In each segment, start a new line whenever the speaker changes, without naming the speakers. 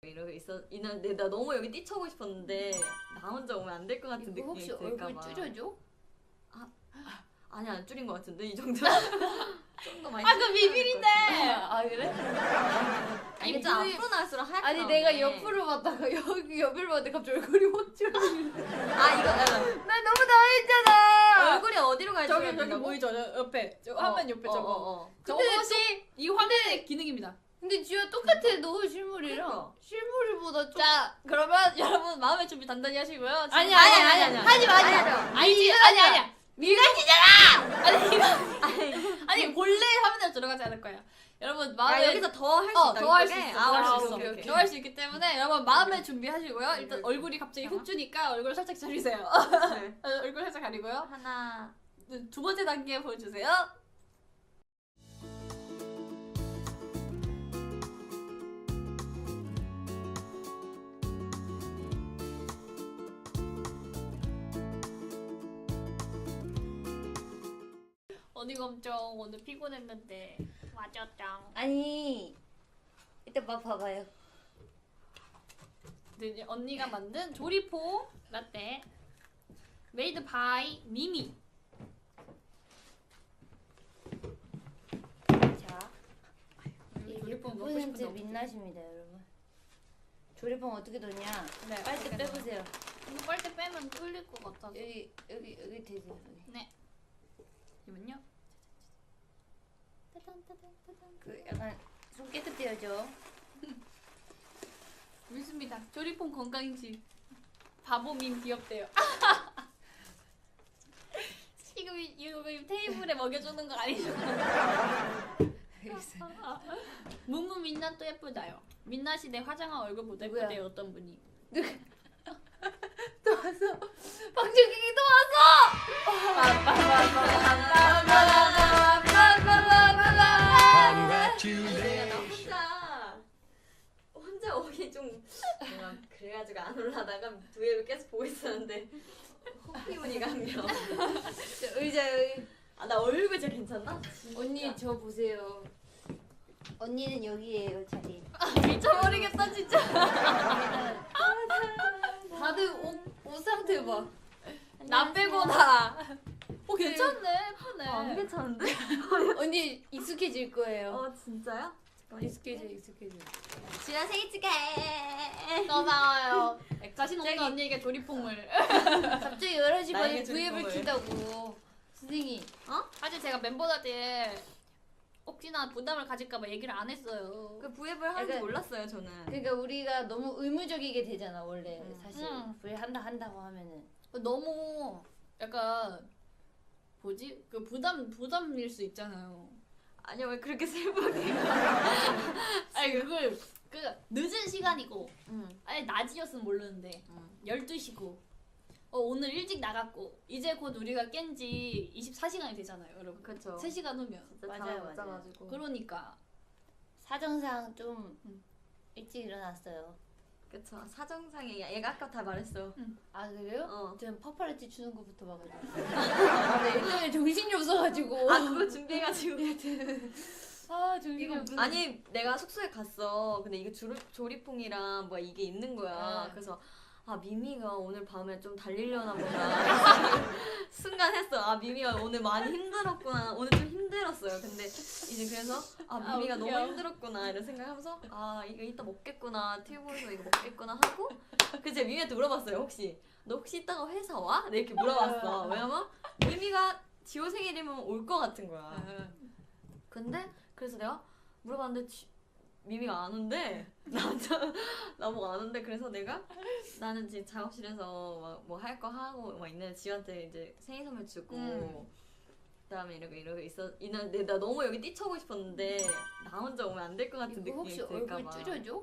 이러고 있는데 나 너무 여기 뛰쳐오고 싶었는데 나 혼자 오면 안 될 것 같은 느낌이
혹시
들까
얼굴
봐.
줄여줘?
아니 안 줄인 것 같은데 이 정도. 좀 더 많이.
그 비밀인데.
아 그래?
아니 좀 앞으로 나올수록 하얗게
아니
나오네.
내가 옆으로 봤다가 여기 옆을 봤는데 갑자기 얼굴이 확 줄어.
아 이거
나 너무 당했잖아.
얼굴이 어디로 갈지
저기 보이죠? 저 옆에 저 화면 옆에 저거. 저것이 이 화면의 기능입니다.
근데 지효 똑같아. 너 실물이랑.
그러니까.
실물보다 좀.
자, 그러면 여러분 마음의 준비 단단히 하시고요.
아니야.
하지 마. 아니야. 민낯이잖아. 아니 본래 화면에 들어가지 않을 거예요. 여러분 마음에
여기서 더 할 수 있다.
더 할 수 있어.
더 할 수 있어.
오케이. 더 할 수 있기 때문에 여러분 마음의 준비하시고요. 일단 얼굴이 갑자기 훅 주니까 얼굴 살짝 가리세요. 얼굴 살짝 가리고요.
하나.
두 번째 단계 보여주세요. 언니 검정 오늘 피곤했는데 맞았짱.
아니 이따 봐봐요.
이제 언니가 만든 조리포 라떼 메이드 바이 미미.
자,
조리포 먹고
6%
싶은데
민낯입니다, 여러분. 조리봉 어떻게 넣냐?
네,
빨대
어떻게
빼보세요.
이거 빨대 빼면 뚫릴 것 같아서.
여기 되세요. 여기.
네. 이면요.
그 약간 손 깨끗해야죠.
믿습니다. 조리폼 건강인지 바보민 귀엽대요. 지금 이거 테이블에 먹여주는 거 아니죠? 뭉뭉 민낯도 예쁘다요. 민낯이 내 화장한 얼굴보다
누구야?
예쁘대요. 어떤 분이.
또 왔어. 방청객이 또 왔어.
내가 혼자 오기 좀 뭔가 그래가지고 안 올라다가 두앱을 계속 보고 있었는데 호피무늬가 한 명.
의자 여기.
나 얼굴 진짜 괜찮나? 진짜.
언니 저 보세요. 언니는 여기에요 자리.
미쳐버리겠다 진짜.
다들 옷 상태 봐.
나 빼고 다. 괜찮네. 예쁘네.
안 괜찮은데?
언니 익숙해질 거예요.
진짜요?
익숙해져.
지아 생일 축하해.
고마워요. 자신 없는 언니에게 조리폼을.
갑자기 11시 반에
나에게
V앱을
주는
킨다고. 선생님.
사실 제가 멤버들한테 혹시나 부담을 가질까봐 얘기를 안 했어요.
그 V앱을 하는지
약간-
몰랐어요 저는.
그러니까 우리가 너무 의무적이게 되잖아 원래 사실.
음.
V 한다고 하면은.
너무 약간 뭐지? 그 부담일 수 있잖아요.
아니야 왜 그렇게 슬프게?
아니 그걸 그 늦은 시간이고
응.
아니 낮이었으면 모르는데 12시고 오늘 일찍 나갔고 이제 곧 우리가 깬 지 24시간이 되잖아요, 여러분.
그쵸.
3시간 후면.
진짜
맞아요,
못 자가지고.
그러니까
사정상 좀 일찍 일어났어요.
그쵸. 사정상에 얘가 아까 다 말했어.
아 그래요?
어.
전 파파라치 추는 거부터 봐가지고. 아, 네, 일단은 정신이 없어가지고.
그거 준비해가지고.
정신이 없어.
아니 내가 숙소에 갔어. 근데 이게 조리퐁이랑 뭐 이게 있는 거야. 그래서 미미가 오늘 밤에 좀 달리려나 보다. 순간 했어. 미미가 오늘 많이 힘들었구나. 오늘 좀 힘들었어요. 근데 이제 그래서 미미가 너무
웃겨.
힘들었구나 이런 생각하면서 이거 이따 먹겠구나. 튜브에서 이거 먹겠구나 하고 그래서 미미한테 물어봤어요. 너 혹시 이따가 회사 와? 네, 이렇게 물어봤어. 왜냐면 미미가 지호 생일이면 올 것 같은 거야. 근데 그래서 내가 물어봤는데 미미가 안 온대. 나보고 안 온대. 그래서 내가 나는 지금 작업실에서 막 뭐 할 거 하고 막 있는데 지한테 이제 생일 선물 주고 그다음에 이러고 있는데 나 너무 여기 뛰쳐오고 싶었는데 나 혼자 오면 안 될 것 같은
이거
느낌이
혹시
들까
얼굴
봐.
줄여줘?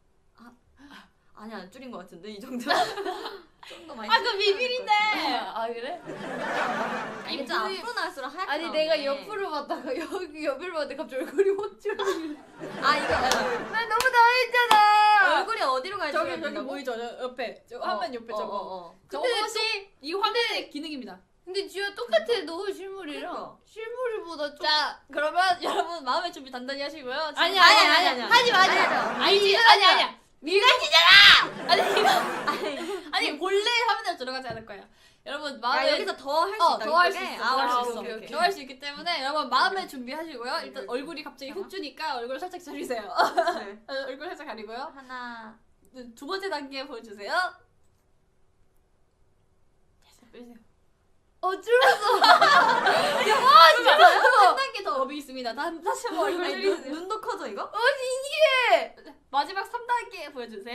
아니 안 줄인 것 같은데 이 정도. 좀 더 많이.
그 비밀인데.
아 그래?
아니 좀 앞으로 나올수록 하얗게
아니
나오네.
내가 옆으로 봤다가 여기 옆을 봤는데 갑자기 얼굴이 확 줄어.
이거
나 너무 당했잖아.
얼굴이 어디로 갈지
저기 보이죠? 저 옆에 저 화면 옆에 저거. 저것이 이 화면의 기능입니다.
근데 지효 똑같아. 너 실물이랑.
그러니까.
실물보다 좀.
자, 그러면 여러분 마음의 준비 단단히 하시고요.
아니야.
하지 마. 아니야. 아니 이거 아니 본래 화면에 들어가지 않을 거예요. 여러분
아
마음에
여기서 더 할 수 있다.
더 할 수
이쪽에?
있어.
아,
더 할 수
오케이,
있어.
오케이, 오케이.
더 할 수 있기 때문에 여러분 마음에 준비하시고요. 일단 얼굴이 갑자기 훅 주니까 얼굴 살짝 가리세요.
네.
얼굴 살짝 가리고요.
하나.
두 번째 단계 보여주세요. 됐어, 빼세요.
줄었어.
한 단계 더 업이 있습니다. 다시 한번 얼굴
아니,
들이세요.
눈도 커져 이거?
마지막 3단계 보여주세요.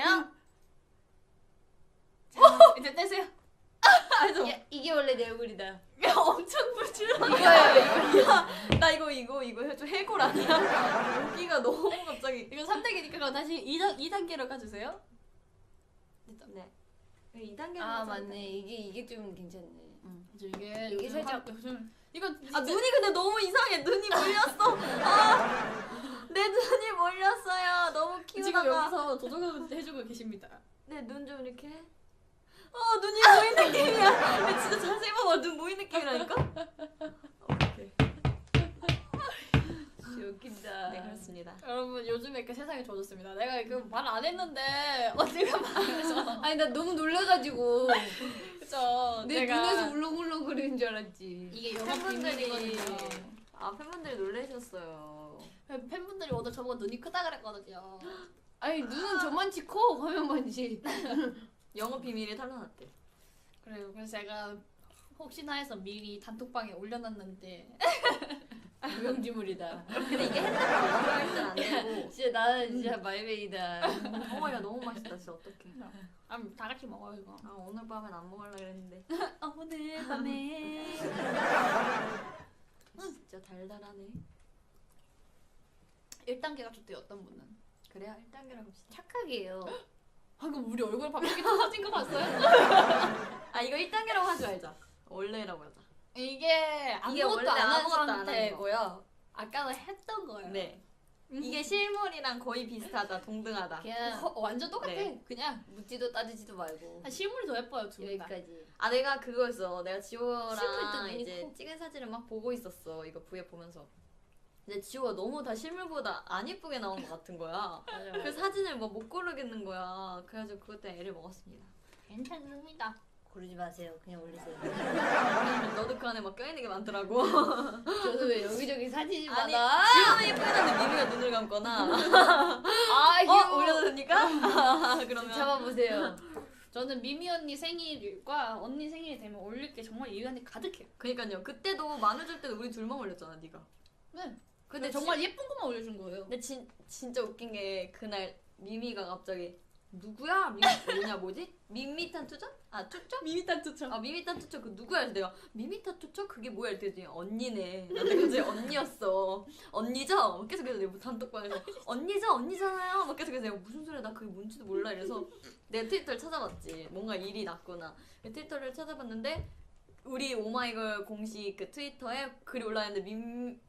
자, 이제 떼세요.
이게 원래 내 얼굴이다.
엄청 부지런.
이거요.
나 이거 좀 해골 아니야? 여기가 너무 갑자기.
이거 3단계니까 그럼 다시 2단계로 가주세요.
네. 2단계.
아 맞네. 이게 좀 괜찮네.
이게
이게 살짝-
이거
아 눈이 근데 너무 이상해. 눈이 몰렸어. 내 눈이 몰렸어요. 너무
지금
키우다가
여기서 조정을 해주고 계십니다.
내 눈 좀 이렇게. 눈이 모인 느낌이야. 근데 진짜 자세히 봐봐. 눈 모인 느낌이라니까. 오케이.
웃긴다.
네 그렇습니다.
여러분 요즘에 그 세상이 좋아졌습니다. 내가 그 말 안 했는데 언니가 말해서
아니 나 너무 놀라가지고
그쵸.
내
내가
눈에서 울렁울렁 거리는 줄 알았지.
이게 영업
팬분들이
비밀이거든요.
팬분들이 놀라셨어요.
팬분들이 오늘 저보고 눈이 크다 그랬거든요.
아니 눈은 저만치 커 화면만치.
영업 비밀이 탈락났대.
그래요. 그래서 제가 혹시나 해서 미리 단톡방에 올려놨는데
무용지물이다.
근데 이게 핸드폰 들어갈 땐안 되고.
진짜 나는 진짜 말베이다.
야 너무 맛있다. 진짜 어떡해.
다 같이 먹어요 이거.
오늘 밤엔 안 먹으려 그랬는데.
오늘 밤에
진짜 달달하네.
1단계가 좋대요. 어떤 분은.
그래야 1단계라고 합시다.
착하게요.
방금 우리 얼굴 바뀌게 터진 거 봤어요?
이거 1단계라고 하지 말자. 원래라고 하자.
이게 아무것도
원래
안 한
아무것도 안 하는
상태고요. 아까는 했던 거예요.
네. 이게 실물이랑 거의 비슷하다. 동등하다.
그냥
완전 똑같아.
네.
그냥
묻지도 따지지도 말고
실물이 더 예뻐요 두 분 다.
여기까지.
내가 그거였어. 내가
실물
지호랑
때
이제
눈이 커.
찍은 사진을 막 보고 있었어. 이거 V앱 보면서. 근데 지호가 너무 다 실물보다 안 예쁘게 나온 것 같은 거야.
맞아.
그 사진을 막 못 고르겠는 거야. 그래가지고 그것 때문에 애를 먹었습니다.
괜찮습니다.
고르지 마세요. 그냥 올리세요.
너도 그 안에 막 껴있는 게 많더라고.
저는 왜 여기저기 사진이
아니,
많아?
지호는 예쁘긴 한데 미미가 눈을 감거나. 올려도 됩니까? 그러면.
잡아보세요.
저는 미미 언니 생일과 언니 생일이 되면 올릴 게 정말 이유한테 가득해요.
그니까요. 그때도 마늘 때도 우리 둘만 올렸잖아, 네가.
네.
근데
정말 예쁜 것만 올려준 거예요.
근데 진짜 웃긴 게 그날 미미가 갑자기 누구야? 뭐지? 밋밋한 투정? 투정?
미미탄 투척.
밋밋한 투정 그 누구야? 그래서 내가 밋밋한 투정? 그게 뭐야? 이랬더니 언니네. 나 그때 언니였어. 언니죠? 막 계속 그래서 내가 단톡방에서 언니죠? 언니잖아요. 막 계속 그래서 내가 무슨 소리야? 나 그게 뭔지도 몰라. 이래서 내가 트위터를 찾아봤지. 뭔가 일이 났구나. 트위터를 찾아봤는데 우리 오마이걸 공식 그 트위터에 글이 올라왔는데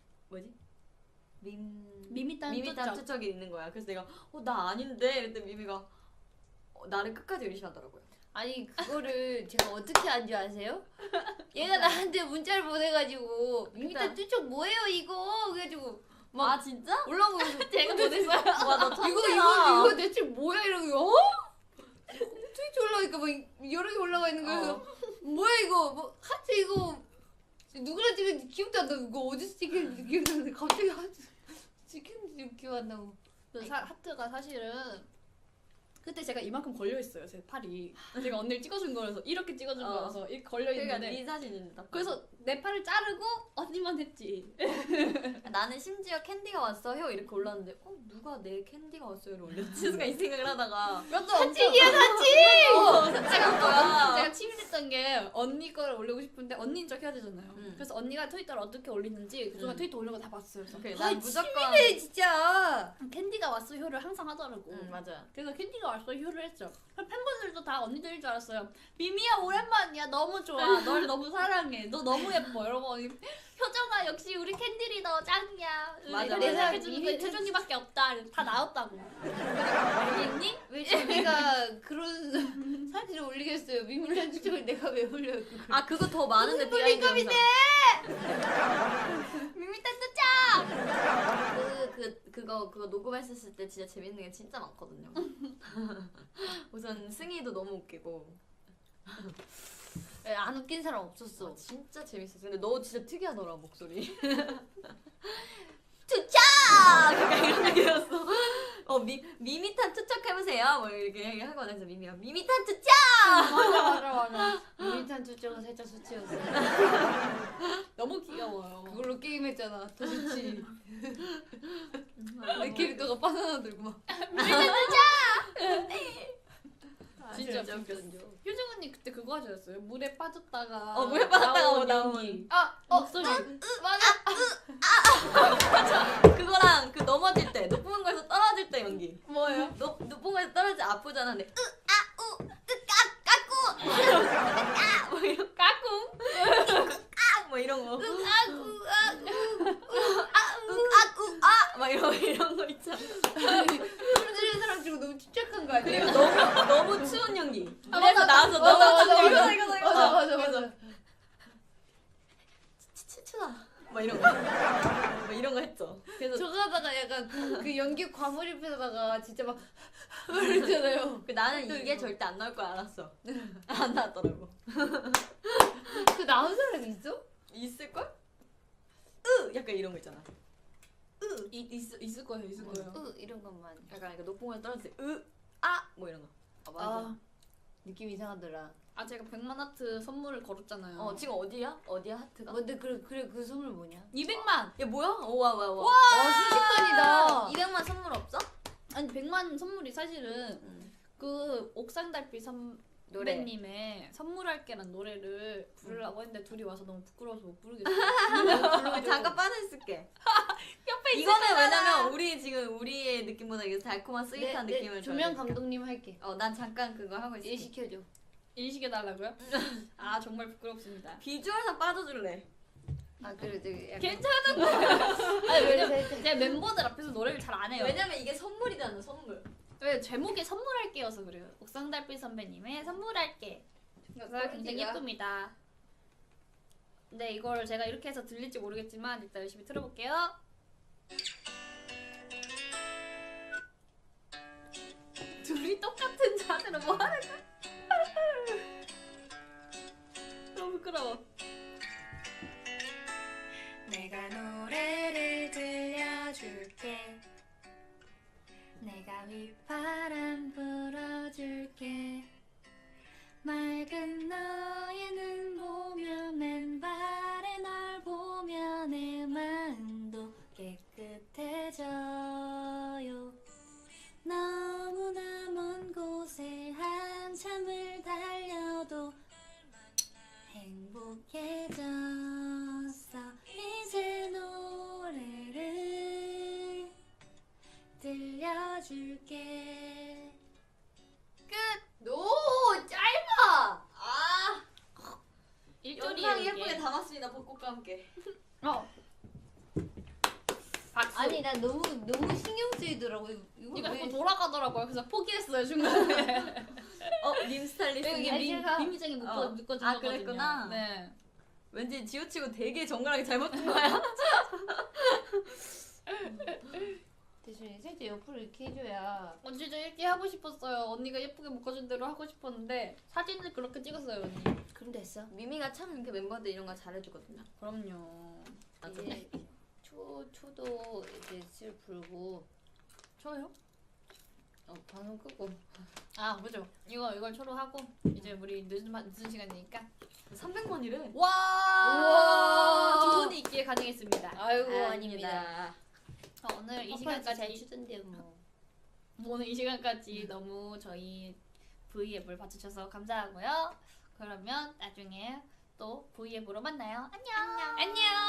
미미탄 투척.
투척이 있는 거야. 그래서 내가 나 아닌데 이랬더니 미미가 나를 끝까지 의심하더라고요.
아니 그거를 제가 어떻게 안 줄 아세요? 얘가 나한테 문자를 보내가지고 미미탄 투척 뭐예요 이거? 그래가지고 막
진짜?
올라오고 그래서
제가 보냈어요.
와너
이거 대체 뭐야 이러고 트위치 올라가니까 막 여러 개 올라가 있는 거예요. 그래서 뭐야 이거 뭐 하트 이거 누구랑 찍은지 기억도 안 나고 이거 어디서 찍혔는지 기억도 안 나는데 갑자기 하트 찍혔는지 기억 안 나고.
하트가 사실은 그때 제가 이만큼 걸려 있어요. 제 팔이. 제가 언니를 찍어준 거라서 이렇게 찍어준 거라서 이렇게 걸려
그러니까
있는데.
네 사진입니다.
그래서 내 팔을 자르고 언니만 했지.
나는 심지어 캔디가 왔어요 이렇게 올랐는데 누가 내 캔디가 왔어요를 올렸지? 순간 이 생각을 하다가
사진이야 사진.
찍은 거야.
제가 치밀했던 게 언니 거를 올리고 싶은데 언니인 척 해야 되잖아요.
음.
그래서 언니가 트위터를 어떻게 올리는지 그동안 트위터 올린 거 다 봤어요. 그래서
오케이,
아
난 무조건
치밀해 진짜.
캔디가 왔어요를 항상 하더라고.
맞아.
그래서 캔디가 왔어요를 했죠. 팬분들도 다 언니들인 줄 알았어요. 미미야 오랜만이야. 너무 좋아. 널 너무 사랑해. 너 너무 예뻐. 여러분 효정아 역시 우리 캔디 리더 짱이야.
맞아,
내
맞아.
생각해주는 건 효정이밖에 없다. 다 나왔다고. 알겠니?
왜 자기가 그런 사진을 올리겠어요. 미미탄 추측을 내가 왜 올려 그걸.
아 그거 더 많은데
무슨
비하인드
링크인데?
영상.
밋밋한 뜨자.
그거 녹음했었을 때 진짜 재밌는 게 진짜 많거든요. 우선 승희도 너무 웃기고.
안 웃긴 사람 없었어.
진짜 재밌었어. 근데 너 진짜 특이하더라 목소리. 투척! 약간 이런 느낌이었어. 미미탄 투척해보세요. 뭐 이렇게 하거든. 그래서 미미가 미미탄 투척!
맞아. 미미탄 추측은 살짝 수치였어.
너무 귀여워요.
그걸로 게임했잖아. 더 좋지. 내 캐릭터가 바나나 들고 막.
진짜
진짜
웃겼어. 효정 언니 그때 그거 하셨어요. 물에 빠졌다가
물에 빠졌다가 나온.
연기.
목소리.
맞아.
그거랑 그 넘어질 때 높은 곳에서 떨어질 때 연기.
뭐예요?
높은 곳에서 떨어질 때 아프잖아. 근데 뭐 이런
까꿍.
뭐 이런 거.
아,
막 이런 거 있잖아.
소리 지르는 사람 지금 너무 침착한 거 아니에요?
그리고 너무 추운 연기.
아,
그래서 나와서 너무
맞아.
추다. 막 이런 거. 막 이런 거 했죠. 그래서
저거 하다가 약간 그 연기 과몰입해다가 진짜 막 그랬잖아요.
나는 이게 절대 안 나올 걸 알았어. 안 나왔더라고.
그 나온 사람 있어?
있을 걸? 약간 이런 거 있잖아.
있을 거예요.
이런 것만.
약간 높은 곳에 떨어질 때 뭐 이런 거.
아 맞아. 느낌 이상하더라.
아 제가 100만 하트 선물을 걸었잖아요.
지금 어디야? 어디야 하트가?
근데 그래 그 선물 뭐냐?
200만.
야 뭐야? 와.
와 순식간이다.
200만 선물 없어?
아니 100만 선물이 사실은 그 옥상 달빛
노래.
선배님의 선물할게란 노래를 부르려고 했는데 둘이 와서 너무 부끄러워서 못 부르겠어요.
잠깐 빠져있을게.
옆에
이거는 왜냐면 우리의 느낌보다 이게 달콤한 스윗한
네,
느낌을
조명
줘야
감독님 할게.
난 잠깐 그거 하고 있을게.
일 시켜줘.
일시켜달라고요? 아 정말 부끄럽습니다.
비주얼상 빠져줄래.
아 그래 되게 약간.
괜찮은
아니
왜냐면 제가 멤버들 앞에서 노래를 잘 안 해요.
왜냐면 이게 선물이잖아 선물.
왜 제목이 선물할게여서 그래요. 옥상 달빛 선배님의 선물할게. 그래서 굉장히 예쁩니다. 근데 이걸 제가 이렇게 해서 들릴지 모르겠지만 일단 열심히 틀어볼게요. 둘이 똑같은 자세로 뭐 하는 거야? 너무 부끄러워.
내가 노래를 들려줄게. 내가 휘파람 불어줄게. 맑은 너의 눈 보며 맨발에 널 보며 내 마음도 깨끗해져요. 너무나 먼 곳에 한참을 달려도 행복해졌어. 이제 노래를 들려줄게.
오 짧아.
일절이
영상 예쁘게 담았습니다. 벚꽃과 함께.
박수.
아니 나 너무 신경 쓰이더라고.
이거
왜-
자꾸 돌아가더라고요. 그래서 포기했어요 중간에.
님 스타일리스트.
여기
제가-
민미장이 묶어진 거거든요.
그랬구나.
네.
왠지 지우치고 되게 정갈하게 잘못 든 거야.
대신 살짝 옆으로 이렇게 해줘야.
진짜 이렇게 하고 싶었어요. 언니가 예쁘게 묶어준 대로 하고 싶었는데 사진을 그렇게 찍었어요 언니.
그럼 됐어.
미미가 참 이렇게 멤버들 이런 거 잘해주거든요.
그럼요.
맞아.
이제 초도 이제 슬 불고.
저요?
방송 끄고.
아 그죠. 이걸 초로 하고 이제 우리 늦은 시간이니까.
300만이래.
와.
우와.
두 분이 있기에 가능했습니다.
아이고 아닙니다.
오늘 이
잘
시간까지
추던데요 뭐.
오늘 이 시간까지 너무 저희 V앱을 봐주셔서 감사하고요. 그러면 나중에 또 V앱으로 만나요. 안녕. 안녕.